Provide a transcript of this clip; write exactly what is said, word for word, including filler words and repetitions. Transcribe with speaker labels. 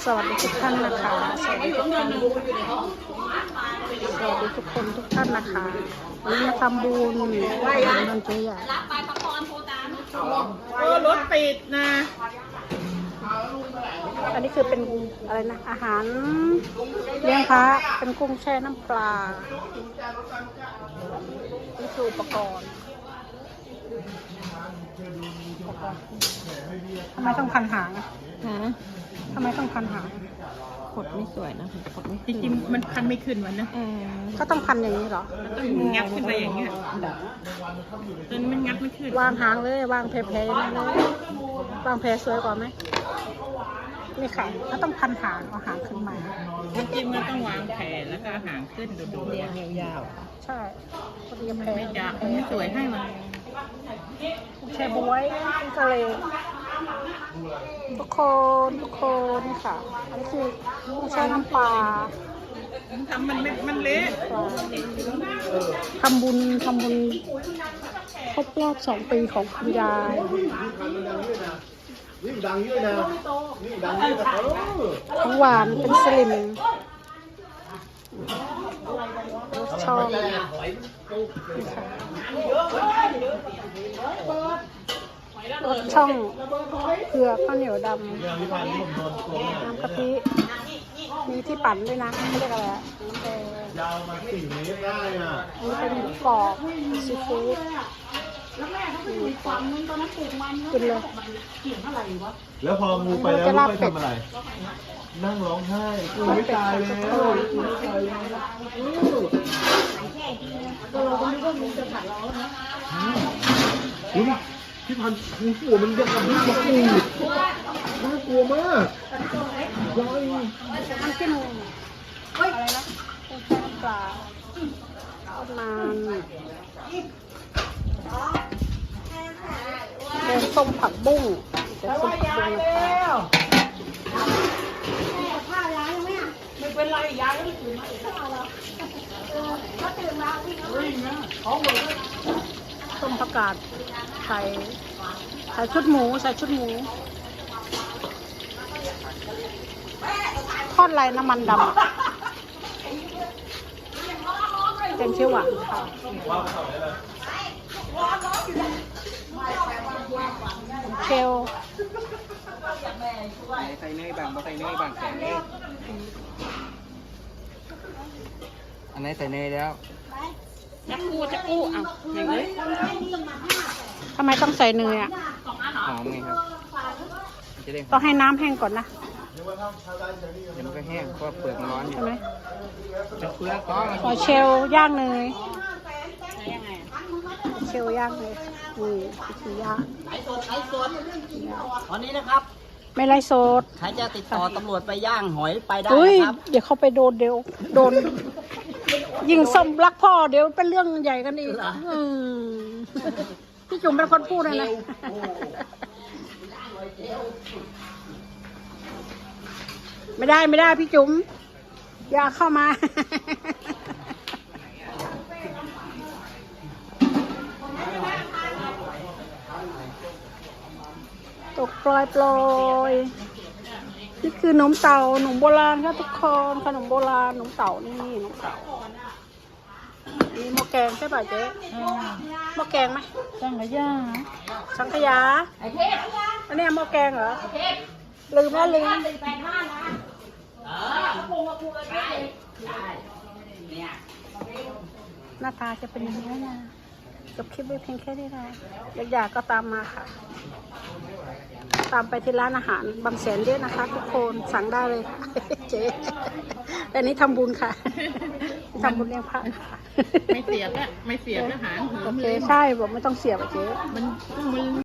Speaker 1: สวัสดีทุกท่านนะคะสวัสดีทุกท่านสวัสดีทุกคนทุกท่านนะคะวันนี้มาทำบุญทำบุญวันเจีย
Speaker 2: เออรถติดนะ
Speaker 1: อันนี้คือเป็นอะไรนะอาหารเลี้ยงพระเป็นกุ้งแช่น้ำปลานี่คืออุปกรณ์ทำไมต้องพันหางอะทำไมต้องพันหาง
Speaker 2: ขดไม่สวยนะขดไม่จริงๆมันพันไม่ขึ้นวันนะ
Speaker 1: ก็ต้องพันอย่างนี้เหรอ
Speaker 2: ต้องงับขึ้นไปอย่างเงี้ยจนมันงับไม่ขึ้น
Speaker 1: วางหางเลยวางแพรๆนั่นเลยวางแพรสวยกว่าไหมนี่ค่ะก็ต้องพันหางเอาหางขึ้นมา
Speaker 2: จริงๆมันต้องวางแผนแล้วก็หางขึ้นดูๆเรียงยาว
Speaker 1: ๆใช่พอดีแพร
Speaker 2: ไม่จะไม่สวยให้มัน
Speaker 1: แช่บวยทะเลทุกคนทุกคนนี่ค่ะอันนี้คือกุ้งแช่น้ำปลา
Speaker 2: ทำมันมันเละ
Speaker 1: ทำบุญทำบุญครบรอบสองปีของคุณยาย
Speaker 3: นี่ดังเยอะนะนี่ดังเยอะนะ
Speaker 1: ของหวานเป็นสลิมชอบรสช่องเผือกข้าวเหนียวดำน้ำกะทิมีที่ปั่นด้วยนะเขาเรียกอะไรน้ำแดง
Speaker 3: ยาวมาสี่เมตรได้อ่ะ
Speaker 1: นี่เป็นหมูกรอบซีฟู้ดกินเลย
Speaker 3: แล้วพองูไปแล้วลูกไปทำอะไรนั่งร้องไห้กูไม่ตายแล้วกูไม่ตายแล้วเราไม่รู้ว่างูจะกัดเราแล้วนะพี่พันธุ์งูหัวมันยังกับลูกมะกรูดน่ากลัวมากย้อย
Speaker 1: น้ำจิ้มอะไรนะกุ้งแช่น้ำปลาทอดมันแกงส้มผักบุ้งแกงส้มผักบุ้งนะคะ
Speaker 2: ไม่เป็นไรยายไม่ตื่นมาอีกแล้วก็ตื่นมาวิ่งนะของหมด
Speaker 1: ต้มผักกาดใส่ใส่ชุดหมูใส่ชุดหมูทอดไรน้ำมันดำแกงเขียวหวานค่ะเชล
Speaker 2: ใส่เนยบางใส่เนยบางแข็งเนยอันนี้ใส่เนยแล้วจะกู้จะกู้อ่ะอย่างนี้
Speaker 1: ทำไมต้องใส่เนยอ่ะ
Speaker 2: หอมไงครับจะได้
Speaker 1: ต้องให้น้ำแห้งก่อนนะ
Speaker 2: เดี๋ยวมันก็แห้งเพราะเปลือกมันร้อนอยู่
Speaker 1: ใช่ไหม
Speaker 2: จะเปลือกก็
Speaker 1: ขอเชลย่างเนยเชลย่างเลยนี่วิธีย่าง
Speaker 4: ไลฟ์สดไลฟ์สดตอนนี้นะครับ
Speaker 1: ไม่ไรโซด
Speaker 4: ใครจะติดต่อตำรวจไปย่างหอยไปได้
Speaker 1: นะครับเดี๋ยวเขาไปโดนเดี๋ยวโดนยิงส้มรักพ่อเดี๋ยวเป็นเรื่องใหญ่กันอีกพี่จุ๋มเป็นคนพูดเลยนะไม่ได้ไม่ได้พี่จุ๋มอย่าเข้ามาตกปลอยปลอยนี่คือขนมเต่าขนมโบราณค่ะทุกคนขนมโบราณขนมเต่านี่ขนมเต่ามีหม้อแกงใช่ป่ะเจ๊หม้อแกงไหม
Speaker 2: สังขยา
Speaker 1: สังขยาอันนี้หม้อแกงเหรอลืมแล้วลืมหน้าตาจะเป็นอย่างนี้นะจบคลิปไว้เพียงแค่นี้นะอยากๆก็ตามมาค่ะตามไปที่ร้านอาหารบางแสนเยอะนะคะทุกคนสั่งได้เลยค่ะเจ๊แต่นี้ทำบุญค่ะทำบุญเลี้ยงพระค่ะ
Speaker 2: ไม่เสียบอะไม่เสียบอาหาร
Speaker 1: โอเคใช่บอกไม่ต้องเสียบอะเจ๊
Speaker 2: มันมัน